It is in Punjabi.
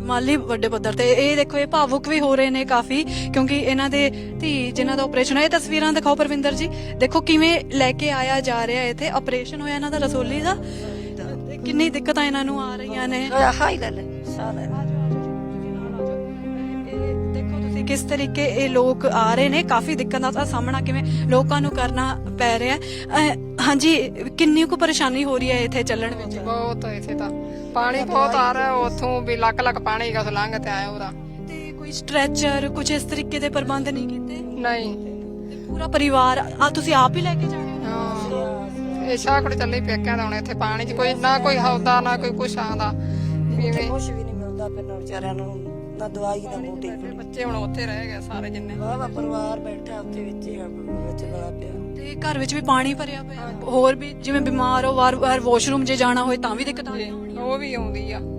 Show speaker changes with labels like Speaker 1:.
Speaker 1: ਮਾਲੀ ਵੱਡੇ ਪੱਧਰ ਤੇ। ਇਹ ਦੇਖੋ ਇਹ ਭਾਵੁਕ ਵੀ ਹੋ ਰਹੇ ਨੇ ਕਾਫੀ, ਕਿਉਂਕਿ ਇਹਨਾਂ ਦੇ ਧੀ ਜਿਨ੍ਹਾਂ ਦਾ ਆਪਰੇਸ਼ਨ ਹੋਇਆ, ਇਹ ਤਸਵੀਰਾਂ ਦਿਖਾਓ ਪਰਵਿੰਦਰ ਜੀ, ਦੇਖੋ ਕਿਵੇਂ ਲੈ ਕੇ ਆਇਆ ਜਾ ਰਿਹਾ। ਇੱਥੇ ਆਪਰੇਸ਼ਨ ਹੋਇਆ ਇਹਨਾਂ ਦਾ ਰਸੋਲੀ ਦਾ, ਕਿੰਨੀ ਦਿੱਕਤਾਂ ਇਹਨਾਂ ਨੂੰ ਆ ਰਹੀਆਂ ਨੇ। ਦੇਖੋ ਤੁਸੀਂ ਕਿਸ ਤਰੀਕੇ ਇਹ ਲੋਕ ਆ ਰਹੇ ਨੇ, ਕਾਫੀ ਦਿੱਕਤਾਂ ਦਾ ਸਾਹਮਣਾ ਕਿਵੇਂ ਲੋਕਾਂ ਨੂੰ ਕਰਨਾ ਪੈ ਰਿਹਾ ਹੈ। ਹਾਂਜੀ, ਕਿੰਨੀ ਕੁ ਪਰੇਸ਼ਾਨੀ ਹੋ ਰਹੀ ਹੈ ਇੱਥੇ ਚੱਲਣ ਵਿੱਚ?
Speaker 2: ਬਹੁਤ ਇੱਥੇ ਤਾਂ ਪਾਣੀ ਬਹੁਤ ਆ ਰਿਹਾ, ਉੱਥੋਂ ਵੀ ਲੱਕ ਲੱਕ ਪਾਣੀ ਗਾ ਲੰਘ ਤੇ ਆਇਆ ਉਹਦਾ।
Speaker 1: ਤੇ ਕੋਈ ਸਟ੍ਰੈਚਰ ਕੁਝ ਇਸ ਤਰੀਕੇ ਦੇ ਪ੍ਰਬੰਧ ਨਹੀਂ ਕੀਤੇ?
Speaker 2: ਨਹੀਂ,
Speaker 1: ਤੇ ਪੂਰਾ ਪਰਿਵਾਰ ਤੁਸੀਂ ਆਪ ਹੀ ਲੈ ਕੇ ਜਾਣੇ ਹੋ?
Speaker 2: ਹਾਂ, ਇਹ ਸ਼ਾਹਕੜ ਚੱਲੇ ਪੇਕਿਆਂ ਦਾ। ਹੁਣ ਇੱਥੇ ਪਾਣੀ 'ਚ ਕੋਈ ਨਾ ਕੋਈ ਹੌਦਾ ਨਾ ਕੋਈ ਕੁਛ ਆਉਂਦਾ,
Speaker 3: ਕੁਛ ਵੀ ਨਹੀਂ ਮਿਲਦਾ ਫਿਰ ਵਿਚਾਰਿਆਂ ਨੂੰ, ਨਾ ਦਵਾਈ ਨਾ ਬੂਟੀ।
Speaker 2: ਬੱਚੇ ਹੁਣ ਉੱਥੇ ਰਹਿ ਗਏ ਸਾਰੇ ਜਿੰਨੇ।
Speaker 3: ਵਾਵਾ ਪਰਿਵਾਰ ਬੈਠਾ ਉੱਥੇ ਵਿੱਚ ਬੜਾ ਪਿਆ।
Speaker 1: ਤੇ ਘਰ ਵਿੱਚ ਵੀ ਪਾਣੀ ਭਰਿਆ ਪਿਆ, ਹੋਰ ਵੀ ਜਿਵੇਂ ਬਿਮਾਰ ਹੋ ਵਾਰ-ਵਾਰ ਵਾਸ਼ਰੂਮ ਜੇ ਜਾਣਾ ਹੋਏ ਤਾਂ ਵੀ ਦਿੱਕਤ ਆਉਂਦੀ?
Speaker 2: ਉਹ ਵੀ ਆਉਂਦੀ ਆ।